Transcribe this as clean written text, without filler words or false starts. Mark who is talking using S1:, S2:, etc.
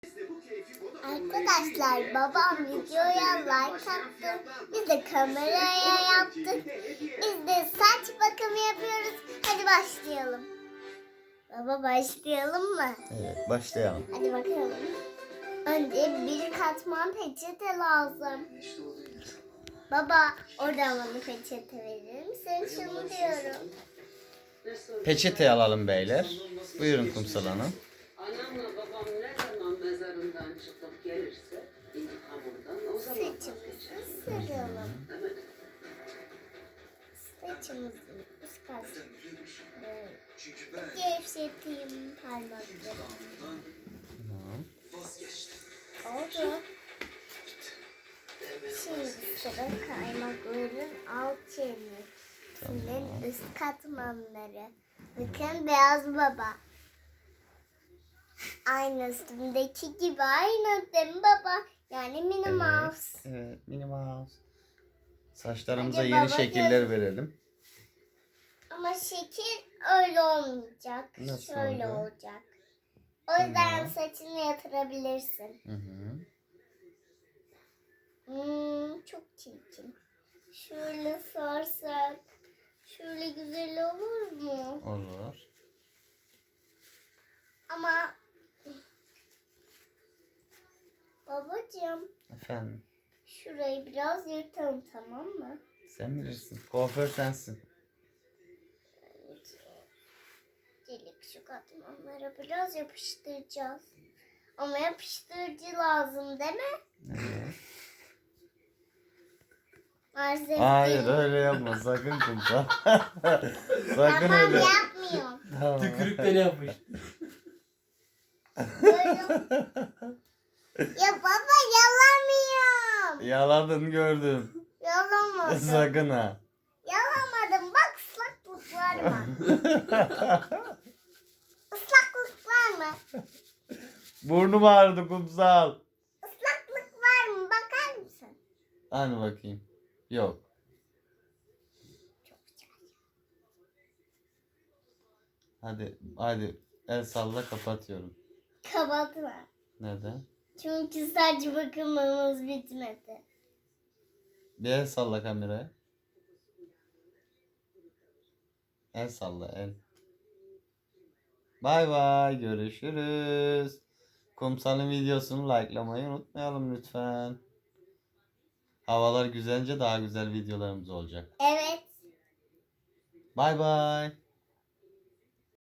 S1: Arkadaşlar babam videoya like attı. Biz de kameraya yaptık. Biz de saç bakımı yapıyoruz. Hadi başlayalım. Baba başlayalım mı?
S2: Evet, başlayalım.
S1: Hadi bakalım. Önce bir katman peçete lazım. Baba oradan bana peçete verir misin? Şunu diyorum.
S2: Peçete alalım beyler. Buyurun Kumsal Hanım.
S3: Anamla babam ne zaman mezarından çıkıp gelirse intikamından o zaman
S1: Saçımızı
S3: vazgeçeriz.
S1: sürüyorum.
S3: Evet.
S1: Saçımızın üst kısmını gevşeteyim parmaklarımı.
S2: Tamam.
S1: Oldu. Şimdi sıra kaymakların alt çenesinin üst katmanları. Bakın beyaz baba. Aynı üstümdeki gibi aynı değil mi baba? Yani Minnie Mouse.
S2: Evet, Minnie Mouse. Saçlarımıza
S1: Hadi
S2: yeni
S1: baba,
S2: şekiller verelim.
S1: Ama şekil öyle olmayacak.
S2: Nasıl
S1: Şöyle
S2: olacak?
S1: olacak. O yüzden
S2: Tamam.
S1: saçını yatırabilirsin.
S2: Hı hı.
S1: Çok çirkin. Şöyle sarsak. Şöyle güzel olur mu?
S2: Olur.
S1: Ama babacığım
S2: Efendim,
S1: şurayı biraz yırtalım, tamam mı?
S2: sen bilirsin. Kuaför sensin.
S1: Delik şu katmanlara biraz yapıştıracağız. Ama yapıştırıcı lazım değil mi?
S2: Evet.
S1: Maalesef
S2: Hayır,
S1: değil.
S2: öyle yapma. Sakın Kumsal. Sakın
S1: Tamam
S2: öyle.
S1: yapmıyorum.
S2: Tamam.
S4: Tükürükleri yapmış.
S1: Ya baba yalamıyorum.
S2: Yaladın gördüm.
S1: Yalamadım.
S2: Sakın ha.
S1: Yalamadım. Bak ıslaklık var mı? Islaklık var mı?
S2: Burnum ağrıdı Kumsal.
S1: Islaklık var mı? Bakar mısın?
S2: Hani bakayım. Yok. Hadi el salla, kapatıyorum.
S1: Kapatma.
S2: Neden?
S1: Çünkü saç bakımımız bitmedi.
S2: Bir el salla kameraya. El salla el. Bay bay, görüşürüz. Kumsal'ın videosunu likelamayı unutmayalım lütfen. Havalar güzelince daha güzel videolarımız olacak.
S1: Evet.
S2: Bay bay.